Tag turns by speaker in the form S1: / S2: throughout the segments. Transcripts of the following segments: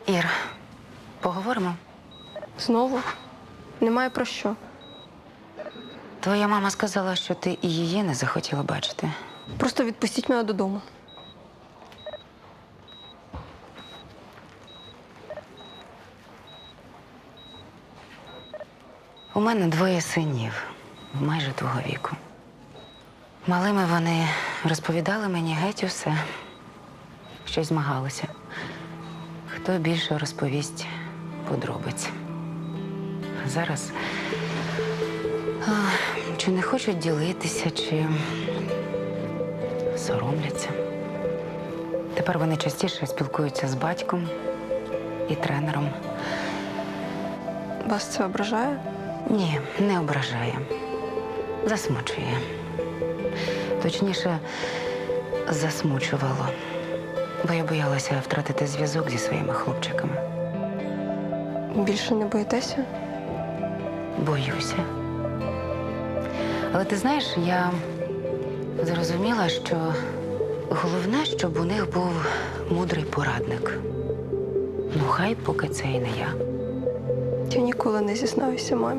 S1: Ір, поговоримо?
S2: Знову? Немає про що.
S1: Твоя мама сказала, що ти і її не захотіла бачити.
S2: Просто відпустіть мене додому.
S1: У мене двоє синів, майже твого віку. Малими вони розповідали мені геть усе, щось змагалися. Хто більше розповість подробиць. Зараз чи не хочуть ділитися, чи соромляться. Тепер вони частіше спілкуються з батьком і тренером.
S2: Вас це ображає?
S1: Ні, не ображає. Засмучує. Точніше, засмучувало. Бо я боялася втратити зв'язок зі своїми хлопчиками.
S2: Більше не боїтеся?
S1: Боюся. Але ти знаєш, я зрозуміла, що головне, щоб у них був мудрий порадник. Ну, хай поки це і не я.
S2: Я ніколи не зізнаюся мамі.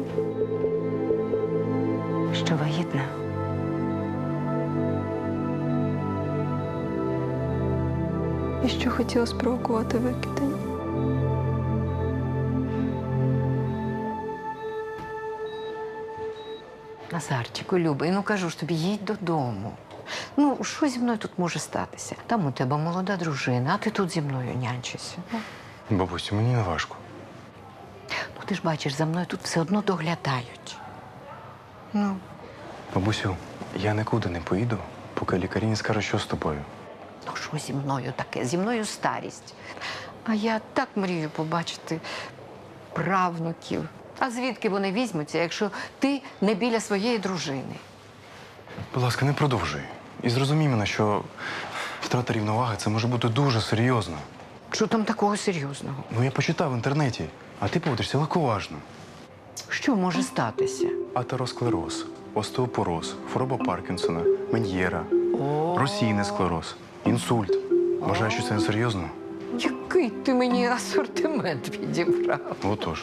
S1: Що вагітна.
S2: І що хотіла спровокувати викидання.
S3: Назарчику, любий, ну кажу ж тобі, їдь додому. Ну, що зі мною тут може статися? Там у тебе молода дружина, а ти тут зі мною нянчишся.
S4: Бабусю, мені не важко.
S3: Ну, ти ж бачиш, за мною тут все одно доглядають. Ну,
S4: Бабусю, я нікуди не поїду, поки лікарі не скажуть, що з тобою.
S3: ну що зі мною таке? Зі мною старість. А я так мрію побачити правнуків. А звідки вони візьмуться, якщо ти не біля своєї дружини?
S4: Будь ласка, не продовжуй. І зрозумій мене, що втрата рівноваги – це може бути дуже серйозно.
S3: Що там такого серйозного?
S4: Ну, я почитав в інтернеті, а ти поводишся легковажно.
S3: Що може статися?
S4: Атеросклероз, остеопороз, хвороба Паркінсона, Мен'єра, розсійний склероз, інсульт. Вважаю, що це не серйозно?
S3: Який ти мені асортимент підібрав?
S4: Отож.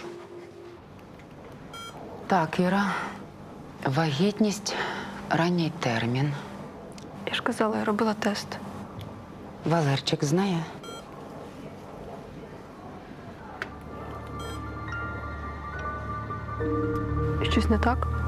S1: Так, Іра, вагітність, ранній термін.
S2: Я ж казала, я робила тест.
S1: Валерчик знає?
S2: Щось не так?